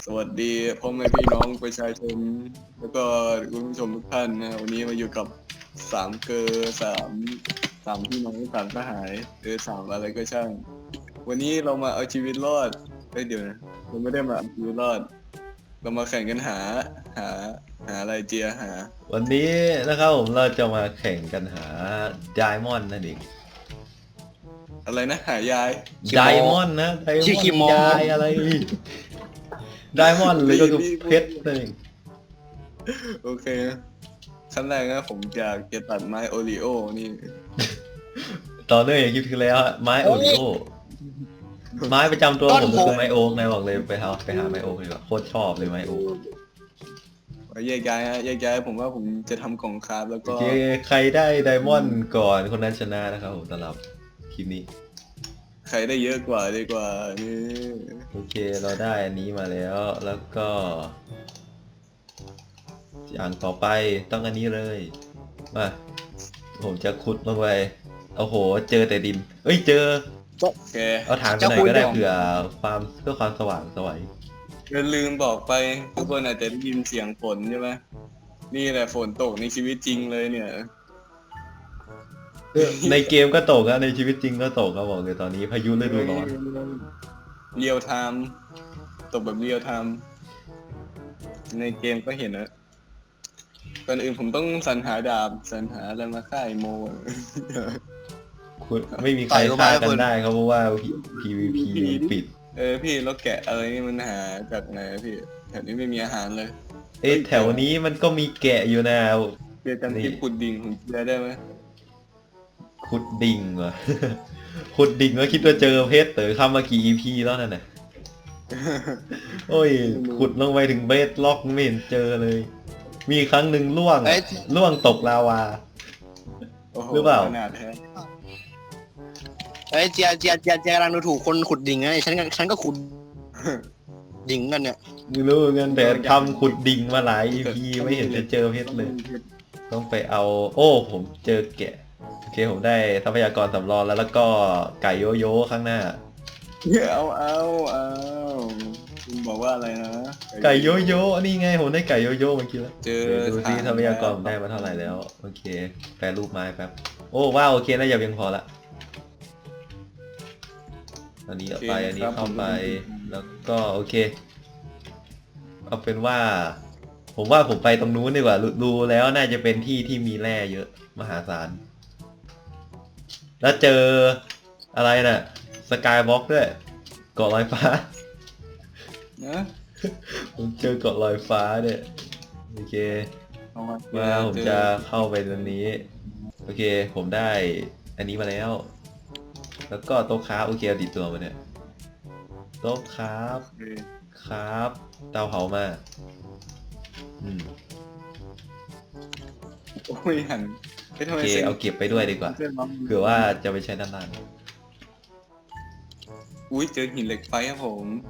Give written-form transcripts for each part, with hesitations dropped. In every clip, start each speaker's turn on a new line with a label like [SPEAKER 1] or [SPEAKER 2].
[SPEAKER 1] วัสดีพ่อแม่พี่น้องประชาชนแล้วก็คุณผู้ชมทุกท่านนะวันนี้มาอยู่กับสามเกอร์สามพี่น้องสามทหารสามอะไรก็ช่างวันนี้เรามาเอาชีวิตรอดเดี๋ยวนะเราไม่ได้มาเอาชีวิตรอดเรามาแข่งกันหาหาอะไรเจียหา
[SPEAKER 2] วันนี้นะครับผมเราจะมาแข่งกันหาไดมอนด์นั่นเอง
[SPEAKER 1] อะไรนะหายาย
[SPEAKER 2] ไดมอนด์นะไดม
[SPEAKER 3] ชื่อ
[SPEAKER 2] อน
[SPEAKER 3] คิ
[SPEAKER 2] ด์
[SPEAKER 3] โม
[SPEAKER 2] ยายอะไรไดมอนด์หรือก็คือเพชรนั่นเอง
[SPEAKER 1] โอเคขั้นแรกนะผมอยากจะตัดไม้โอริโอนี่
[SPEAKER 2] ต่อเนื่องอย่างคลิปที่แล้วไม้โอริโอไม้ประจำตัวผมก็คือไม้โอ๊กนายบอกเลยไปหาไม้โอ๊กดีกว่าโคตรชอบเลยไม้โอ๊ก
[SPEAKER 1] แยกย้ายฮะแยกย้ายผมว่าผมจะทำกล่องคราฟแล้วก็
[SPEAKER 2] โอเคใครได้ไดมอนด์ก่อนคนนั้นชนะนะครับผมสำหรับคลิปนี้
[SPEAKER 1] ใครได้เยอะกว่าดีกว่านี่
[SPEAKER 2] โอเคเราได้อันนี้มาแล้วก็อย่างต่อไปต้องอันนี้เลยมาผมจะขุดลงไปโอ้โหเจอแต่ดินเอ้ยเจอ
[SPEAKER 1] โอเค
[SPEAKER 2] เอาฐานไปหน่อยก็ได้เผื่อความสว่างสวย
[SPEAKER 1] อย่าลืมบอกไปทุกคนอาจจะได้ยินเสียงฝนใช่ไหมนี่แหละฝนตกในชีวิตจริงเลยเนี่ย
[SPEAKER 2] ในเกมก็ตกอะในชีวิตจริงก็ตกครับบอกเลยตอนนี้พายุฤดูร้อน
[SPEAKER 1] เรียลไทม์ตกแบบเรียลไทม์ในเกมก็เห็นนะก่อนอื่นผมต้องสรรหาดาบสรรหาอะไรมาฆ่าไอโม
[SPEAKER 2] คุณไม่มีใครฆ่ากันได้ครับเพราะว่า PVP ปิด
[SPEAKER 1] พี่แล้วแกะอะไรนี่มันหาจากไหนพี่แถวนี้ไม่มีอาหารเลย
[SPEAKER 2] เอ๊ะแถวนี้มันก็มีแกะอยู่นะ
[SPEAKER 1] เจอจำที่ขุดดิ่งของเจียได้ไหม
[SPEAKER 2] ขุดดิ่งเหรอ ขุดดิ่งก็คิดว่าเจอเพชรเต๋อเข้ามากี่ EP แล้วนั่นน่ะโอ้ยขุดลงไปถึงเบสล็อกไม่เห็นเจอเลย มีครั้งหนึ่งล่วงตกลาวา
[SPEAKER 1] โอ้โ
[SPEAKER 2] หรือเปล่า
[SPEAKER 1] ขนาดแท้
[SPEAKER 3] เอ้ยเจียกำลังดูถูกคนขุดดิ่งไงฉันก็ขุดดิ่งกันเนี่ย
[SPEAKER 2] ไม่รู้เงินแต่ทำขุดดิ่งมาหลาย EP ไม่เห็นจะเจอเพชรเลย ต้องไปเอา โอ้ผมเจอแกะโอเคผมได้ทรัพยากรสำรองแล้วก็ไก่โยโย่ข้างหน้า
[SPEAKER 1] เอาคุณบอกว่าอะไรนะ
[SPEAKER 2] ไก่โยโย่นี่ไงผมได้ไก่โยโย่เมื่อกี้แล้ว
[SPEAKER 1] เจอ
[SPEAKER 2] ดูซิทรัพยากรผมได้มาเท่าไหร่แล้วโอเคแปรรูปไม้แป๊บโอ้ว้าวโอเคน่าจะเพียงพอละอันนี้เอาไปอันนี้เข้าไปแล้วก็โอเคเอาเป็นว่า ผมว่าผมไปตรงนู้นดีกว่าดูแล้วน่าจะเป็นที่ที่มีแร่เยอะมหาศาลแล้วเจออะไรน่ะสกายบล็อกด้วยเกาะลอยฟ้า
[SPEAKER 1] นะ
[SPEAKER 2] ผมเจอเกาะลอยฟ้าเนี่ยโอเค
[SPEAKER 1] เอามา
[SPEAKER 2] มาผมจะเข้าไปตรงนี้โอเคผมได้อันนี้มาแล้ว แล้วก็โต๊ะค้าโอเคเอาติดตัวมาเนี่ยโต๊ะครับ
[SPEAKER 1] เออ
[SPEAKER 2] ครับเตาเผามาอืม
[SPEAKER 1] โอ้ยหันไม่ทำ
[SPEAKER 2] โอ
[SPEAKER 1] ไม
[SPEAKER 2] เค
[SPEAKER 1] เซ็ง
[SPEAKER 2] เอาเก็บไปด้วยดีกว่าเผื่อว่าจะไปใช้ด้านล่าง
[SPEAKER 1] อุ้ยเจอหินเหล็กไฟครับผม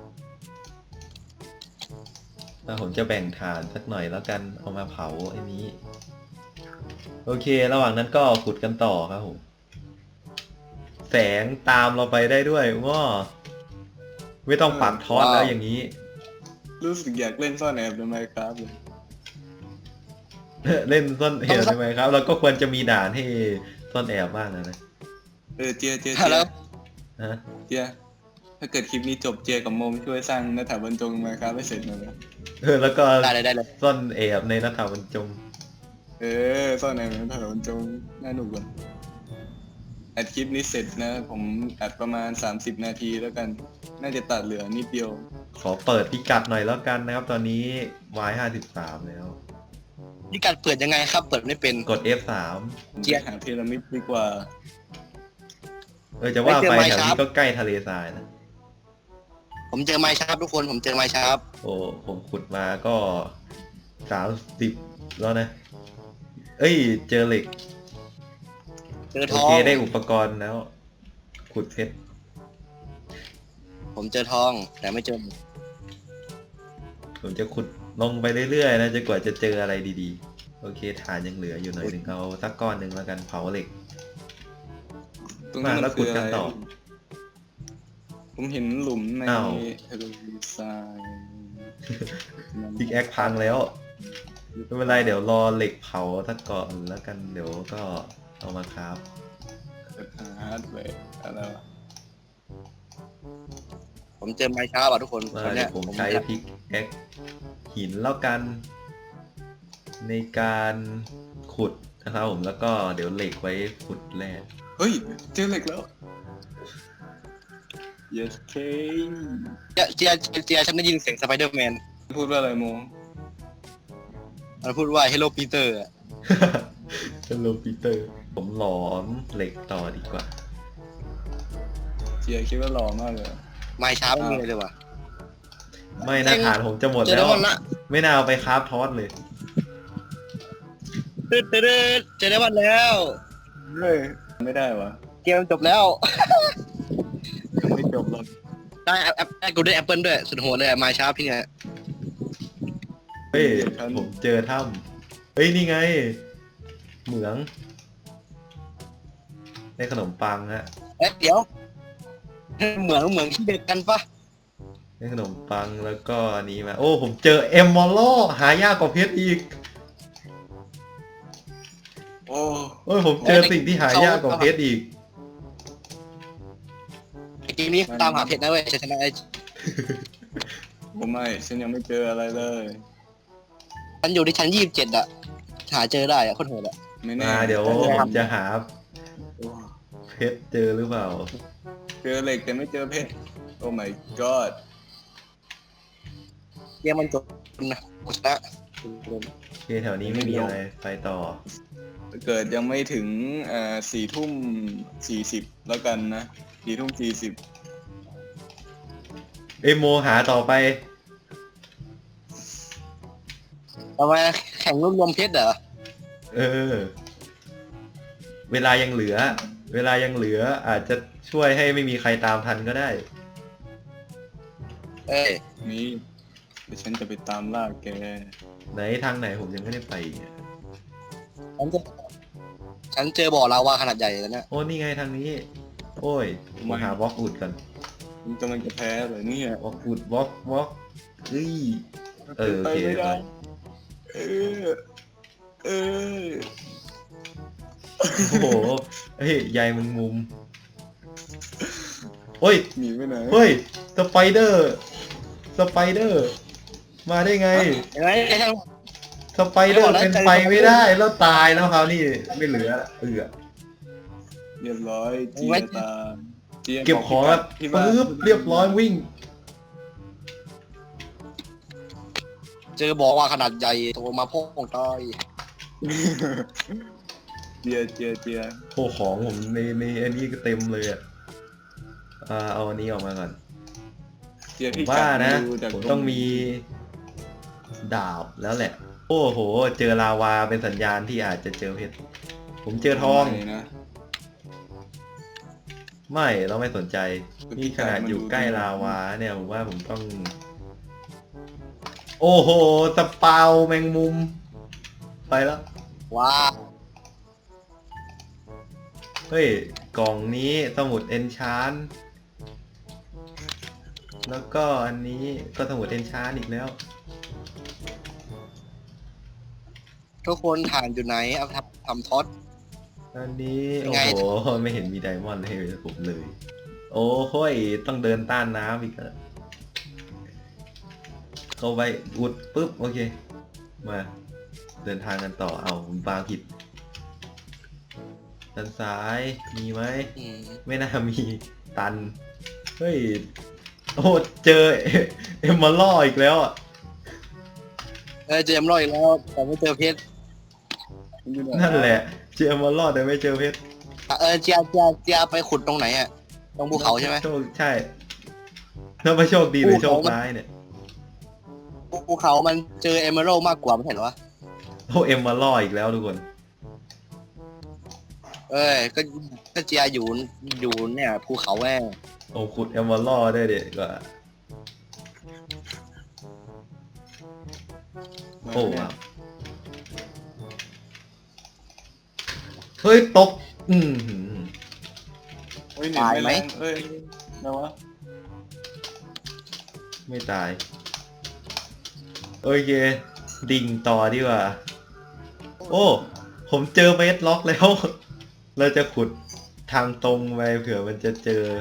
[SPEAKER 2] แล้วผมจะแบ่งถ่านสักหน่อยแล้วกันเอามาเผาไอ้นี้โอเค ระหว่างนั้นก็ขุดกันต่อครับผมแสงตามเราไปได้ด้วยว้าไม่ต้องปักทอสแล้วอย่างนี้
[SPEAKER 1] รู้สึกอยากเล่นซ่อนแอบในไมค์ครับเลย
[SPEAKER 2] เล่นซ่อนแอบใช่ไหมครับ เราก็ควรจะมีด่านให้ซ่อนแอบบ้างนะ
[SPEAKER 1] เจีย
[SPEAKER 3] แล้ว
[SPEAKER 2] ฮะ
[SPEAKER 1] เจียถ้าเกิดคลิปนี้จบเจียกับโมมช่วยสร้างหน้าถาบรรจงไมค์ครับให้เสร็จหน่อยนะ
[SPEAKER 2] แล้วก็
[SPEAKER 3] ได้เลย
[SPEAKER 2] ซ่อนแอบในหน้าต่างบรรจง
[SPEAKER 1] ซ่อนแอบในหน้าถาบรรจงน่าหนุกเลยอัดคลิปนี้เสร็จนะผมอัดประมาณ30 นาทีแล้วกัน น่าจะตัดเหลือนิดเดียว
[SPEAKER 2] ขอเปิดพิกัดหน่อยแล้วกันนะครับ ตอนนี้ Y53 แล้ว
[SPEAKER 3] นี่การเปิดยังไงครับ เปิดไม่เป็น
[SPEAKER 2] กด F3
[SPEAKER 1] ผม
[SPEAKER 3] เจี๊
[SPEAKER 1] จะ
[SPEAKER 3] ยบ
[SPEAKER 1] หาพีระมิดดีกว่า
[SPEAKER 2] จะว่าไป
[SPEAKER 3] ไม่
[SPEAKER 2] แถ
[SPEAKER 3] เจอ
[SPEAKER 2] ว
[SPEAKER 3] ไม้
[SPEAKER 2] นี้
[SPEAKER 3] ครับ
[SPEAKER 2] ก็ใกล้ทะเลทรายนะ
[SPEAKER 3] ผมเจอไม้ชาร์ปทุกคนผมเจอไม้ชาร์ป
[SPEAKER 2] โอ้ผมขุดมาก็30แล้วนะ เอ้ย เจอเหล็ก
[SPEAKER 3] เจอ
[SPEAKER 2] โอ
[SPEAKER 3] ทอง
[SPEAKER 2] เคได้อุปกรณ์แล้ว ขุดเพชร
[SPEAKER 3] ผมเจอทองแต่ไม่เจอ
[SPEAKER 2] ผมจะขุดลงไปเรื่อยๆนะจนกว่าจะเจออะไรดีๆ โอเคฐานยังเหลืออยู่หน่อยหนึ่งเอาสักก้อนหนึ่งแล้วกันเผาเหล็ก
[SPEAKER 1] ตรงนั้น
[SPEAKER 2] มาแล้ว
[SPEAKER 1] มันคือ
[SPEAKER 2] ขุดกั
[SPEAKER 1] อะ
[SPEAKER 2] น
[SPEAKER 1] ไร
[SPEAKER 2] ต่อ
[SPEAKER 1] ผมเห็นหลุมใน
[SPEAKER 2] อ้าว
[SPEAKER 1] ทะเลทราย
[SPEAKER 2] พิกแอคพังแล้วไม่เป็นไรเดี๋ยวรอเหล็กเผาสักก่อนแล้วกันเดี๋ยวก็เอามาครับ
[SPEAKER 1] ฮาร์ดแวร์อะไรวะ
[SPEAKER 3] ผมเจอไม้ช้าป่ะทุกคน
[SPEAKER 2] ว่า
[SPEAKER 3] ตอน
[SPEAKER 2] เดี๋
[SPEAKER 3] เนี้
[SPEAKER 2] ย
[SPEAKER 3] ยว
[SPEAKER 2] ผมใช้พิกแอคหินแล้วกัน ในการขุดนะครับผมแล้วก็เดี๋ยวเหล็กไว้ขุดแร่
[SPEAKER 1] เฮ้ยเจอเหล็กแล้ว yes k
[SPEAKER 3] เจียฉันได้ยินเสียงสไปเดอร์แมน
[SPEAKER 1] พูดว่าอะไรโม
[SPEAKER 3] มันพูดว่า Hello Peter อะ
[SPEAKER 2] ฮัลโหลปีเตอร์ผมหลอมเหล็กต่อดีกว่า
[SPEAKER 1] เจียคิดว่าหล่อมากเลย
[SPEAKER 3] ไม้ช้าไม่มีเลยว่ะ
[SPEAKER 2] ไม่นะฐานผมจะหมด
[SPEAKER 3] เจอ
[SPEAKER 2] แล้
[SPEAKER 3] ได้
[SPEAKER 2] ว
[SPEAKER 3] วันละ
[SPEAKER 2] ไม่น่าเอาไปคราฟทอสเลย
[SPEAKER 3] ตืดเจอได้วันแล้ว
[SPEAKER 1] เฮ้ยไม่ได้วะ
[SPEAKER 3] เกมจบแล้ว
[SPEAKER 1] ยังไม่จบหรอก
[SPEAKER 3] ได้แอปกูได้แอปเปิลด้วยสุดโหดเลยไม้ช้าพี่เนี่ย
[SPEAKER 2] เฮ้ยผมเจอถ้ำเฮ้ยนี่ไง เหมืองในขนมปังฮะ
[SPEAKER 3] เดี๋ยวเหมืองที่เด็กกันปะ
[SPEAKER 2] ในขนมปังแล้วก็อันนี้มาโอ้ผมเจอเอมมอลโลหายากกว่าเพชรอีก
[SPEAKER 1] โอ้
[SPEAKER 2] โอ้ยผมเจอสิ่งที่หายากกว่าเพชรอีก
[SPEAKER 3] เกมนี้ตามหาเพชรนะเว้ยชนะไอ้
[SPEAKER 1] ผมไม่ฉันยังไม่เจออะไรเลย
[SPEAKER 3] ฉันอยู่ที่ชั้น27อะหาเจอได้อะโคตรโหดอะ
[SPEAKER 1] ไม่แน่
[SPEAKER 2] มาเดี๋ยวผมจะหา
[SPEAKER 1] โอ้
[SPEAKER 2] เพชรเจอหรือเปล่า
[SPEAKER 1] เจอเหล็กแต่ไม่เจอเพชรโอ้ my god
[SPEAKER 3] เกมมันจบนะชนะ
[SPEAKER 2] โอเคแถวนี้ไม่มีอะไรไปต่อ
[SPEAKER 1] เกิดยังไม่ถึง4:40แล้วกันนะ4:40
[SPEAKER 2] เอยโมหาต่อไป
[SPEAKER 3] ทำไมแข่งรวมเพชรเหรอ
[SPEAKER 2] เออ เวลายังเหลือ อาจจะช่วยให้ไม่มีใครตามทันก็ได้
[SPEAKER 3] เอ้ย
[SPEAKER 1] นี่เดี๋ยวฉันจะไปตามล่าแก
[SPEAKER 2] ไหนทางไหนผมยังไม่ได้ไปอีกเนี่ย
[SPEAKER 3] ฉันเจอบ่อลาวาขนาดใหญ่แล้วเนี่ย
[SPEAKER 2] โอ้นี่ไงทางนี้ โอ้ยมาหาบล็อกอุดกัน
[SPEAKER 1] มันกำลังจะแพ้เลยเนี่ย
[SPEAKER 2] บล็อกอุดบล็อกเฮ้ย เออโอ
[SPEAKER 1] ไป
[SPEAKER 2] เค
[SPEAKER 1] ไม่ได้เออเออ
[SPEAKER 2] โอ้โหเฮ้ยใยมึงมุมโอ้ย
[SPEAKER 1] หนีไปไหน
[SPEAKER 2] เฮ้ยสไปเดอร์มาได้ไง
[SPEAKER 3] เห็นไหมไอ้ท่าน
[SPEAKER 2] สไปเดอร์เป็นไปไม่ได้แล้วตายแล้วครับนี่ไม่เหลือเอือ
[SPEAKER 1] เรียบร้อยเจียตามจีย
[SPEAKER 2] เก็บของแล้ว
[SPEAKER 1] พี่บ้าน
[SPEAKER 2] ปึ๊บเรียบร้อยวิ่ง
[SPEAKER 3] เจอบ่อลาวาขนาดใหญ่โตมาพ่องตาย
[SPEAKER 1] เจีย
[SPEAKER 2] โอ้ของผมในอันนี้ก็เต็มเลยอ่ะเอาอันนี้ออกมาก่อน
[SPEAKER 1] เจีย
[SPEAKER 2] ผม
[SPEAKER 1] พี่
[SPEAKER 2] ว่านะ
[SPEAKER 1] ดูจาก
[SPEAKER 2] ผมต้องมีดาบแล้วแหละ โอ้โห เจอลาวาเป็นสัญญาณที่อาจจะเจอเพชรผมเจอทอง
[SPEAKER 1] ไหนนะ
[SPEAKER 2] ไม่เราไม่สนใจนี่ขนาดอยู่ใกล้ลาวาเนี่ยผมว่าผมต้อง โอ้โหสปาวแมงมุม ไปแล้ว
[SPEAKER 3] ว้า
[SPEAKER 2] เฮ้ย กล่องนี้สมุดเอนชานแล้วก็อันนี้ก็สมุดเอนชานอีกแล้ว
[SPEAKER 3] ทุกคนฐานอยู่ไหนเอาทำท็อต
[SPEAKER 2] อันนี้
[SPEAKER 3] เป็น
[SPEAKER 2] โอ้
[SPEAKER 3] ไง
[SPEAKER 2] โหไม่เห็นมีไดมอนด์ให้ผมเลย โอ้โหยต้องเดินต้านน้ำอีกแล้วเข้าไปอุดปุ๊บโอเค มาเดินทางกันต่อเอาผมวางผิดด้านซ้ายมีไหม
[SPEAKER 3] อืม
[SPEAKER 2] ไม่น่ามีตัน เฮ้ย โอ้เจอเอ็มมาล่ออีกแล้วอ่ะ
[SPEAKER 3] เจอเอ็มรอยอีกแล้วแต่ไม่เจอเพชร
[SPEAKER 1] อยู่ไ
[SPEAKER 2] นั่นแหละ เจอเอ็มมาล่อแต่ไม่เจอเพชร
[SPEAKER 3] เจียไปขุดตรงไหนอะตรงภูเขาใช่ไหม
[SPEAKER 2] โชคใช่ถ้าไม่โชคดีหรือโชคร้ายเนี่ย
[SPEAKER 3] ภูเขามันเจอเอเมอรัลมากกว่าไม่เห็นเหรอวะ
[SPEAKER 2] โอ้เอ็มมาล่ออีกแล้วทุกคน
[SPEAKER 3] ก็เจียอยู่เนี่ยภูเขาแม่ง
[SPEAKER 2] โอ้ขุดเอ็มมาล่อได้เด็ดกว่า โอ้ว้าวเฮ้ยตก อืมหือ
[SPEAKER 1] เฮ้ยหนีไม่แรงเอ้ยนะวะ
[SPEAKER 2] ไม่ตายโอเค ดิ่งต่อดีกว่า โอ้ ผมเจอเบสล็อกแล้ว เราจะขุดทางตรงไปเผื่อมันจะเจอ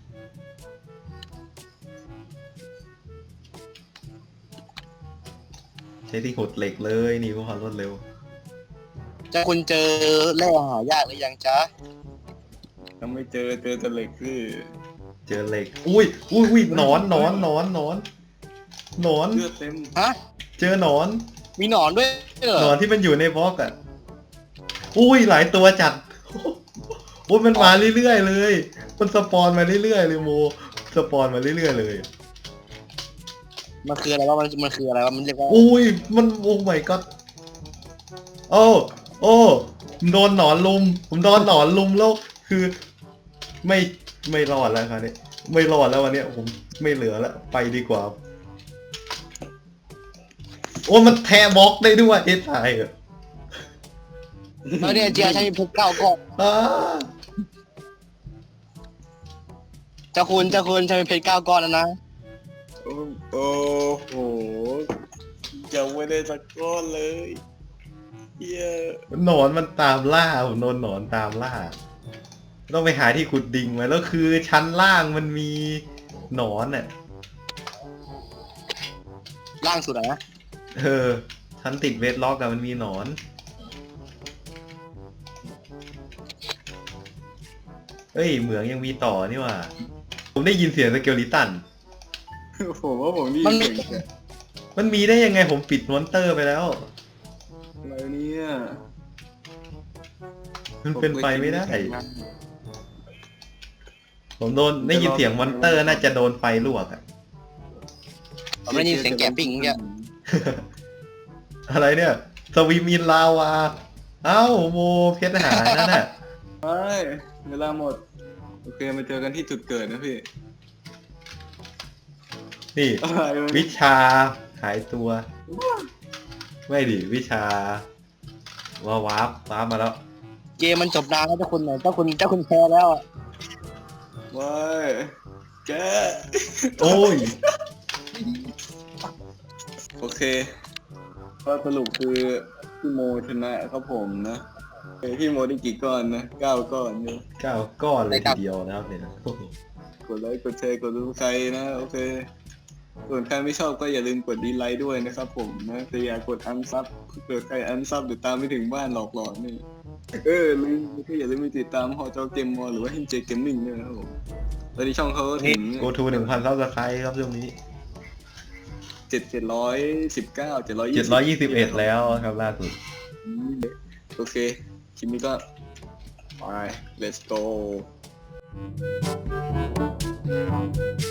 [SPEAKER 2] ใช้ที่ขุดเหล็กเลยนี่เพื่อความรวดเร็ว
[SPEAKER 3] จะคุณเจอแร่หายากหรือยังจ๊ะ
[SPEAKER 1] ยังไม่เจอแต่เหล็กคือ
[SPEAKER 2] เจอเหล็ก อุ้ยหนอน
[SPEAKER 1] เลือดเต็ม
[SPEAKER 3] ฮะ
[SPEAKER 2] เจอหนอน
[SPEAKER 3] มีหนอนด้วยเหร
[SPEAKER 2] หนอ
[SPEAKER 3] อน
[SPEAKER 2] ที่มันอยู่ในบล็อกอ่ะ อุ้ยหลายตัวจัด โอ้ยมันมาเรื่อยๆเลย มันสปอนมาเรื่อยๆเลยโม สปอนมาเรื่อยๆเลย
[SPEAKER 3] มันคืออะไรวะมันคืออะไรวะมันเรียกว่า
[SPEAKER 2] อุ้ยมันโอ้ my god โอ้ผมโดนหนอนลุม ผมโดนหนอนลุมแล้วคือ ไม่รอดแล้วครับเนี่ยไม่รอดแล้ววันเนี้ยผมไม่เหลือแล้วไปดีกว่า โอ้มันแทะบล็อกได้ด้วยเอ้ตายเหรอ
[SPEAKER 3] แล้วเนี่ยเจียฉันมีเพชร9 ก้อน
[SPEAKER 2] อ้า
[SPEAKER 3] จะคุณฉันมีเพชร9 ก้อนแล้วนะ
[SPEAKER 1] โอ้โหยังไม่ได้สักก้อนเลยเหี้ย
[SPEAKER 2] หนอนมันตามล่าผมโดนหนอนตามล่า ต้องไปหาที่ขุดดิ่งมาแล้วคือชั้นล่างมันมีหนอนอ่ะ
[SPEAKER 3] ล่างสุดอะนะ
[SPEAKER 2] ชั้นติดเวทล็อกอะมันมีหนอน เฮ้ยเหมืองยังมีต่อนี่หว่า ผมได้ยินเสียงสเกลิตัน
[SPEAKER 1] ผมว่าผมนี่เก่งแค่
[SPEAKER 2] มันมีได้ยังไงผมปิดมอนเตอร์ไปแล้ว
[SPEAKER 1] อะไรเนี่ย
[SPEAKER 2] มันเป็นไปไม่ได้ ผมได้ยินเสียงมอนเตอร์น่าจะโดนไฟลวกอะ
[SPEAKER 3] ผมได้ยินเสียงแกะปิ้งเนี่ย
[SPEAKER 2] อะไรเนี่ย สวิมินลาวา เอ้าโมเพชรหายนั่นน่ะ
[SPEAKER 1] ไปเวลาหมดโอเคมาเจอกันที่จุดเกิดนะพี่
[SPEAKER 2] นี่
[SPEAKER 1] อะไรวะ
[SPEAKER 2] วิชาหายตัว ไม่ดิวิชา วาร์ปมาแล้ว
[SPEAKER 3] เกมมันจบนานแล้วเจ้าคุณไหนเจ้าคุณแพ้แล้วอะ
[SPEAKER 1] ว้ายแก
[SPEAKER 2] โอ้ย
[SPEAKER 1] โอเคก็สรุปคือพี่โมชนะครับผมนะพี่โมได้กี่ก้อนนะ9 ก้อนเนี่ย
[SPEAKER 2] 9 ก้อนเลยทีเดียวนะครับเนี่ยโอ้โห
[SPEAKER 1] กดไลค์กดแชร์กดดูใครนะโอเคส่วนใครไม่ชอบก็อย่าลืมกดดีไลค์ด้วยนะครับผมนะแต่อย่ากดอันซับเกิดใครอันซับเดี๋ยวตามไม่ถึงบ้านหลอกหลอนนี่ลืมก็อย่าลืมไปติดตามหอจอเกมมอหรือว่าเฮนเจเกมมิ่งด้วยนะครับผมตอนนี้ช่องเขาถึง
[SPEAKER 2] โกทู1,000ซับสไครต์ครับช่วงนี้ 721 แล้วครับล่าสุด
[SPEAKER 1] โอเคคลิปนี้ก็ไป let's go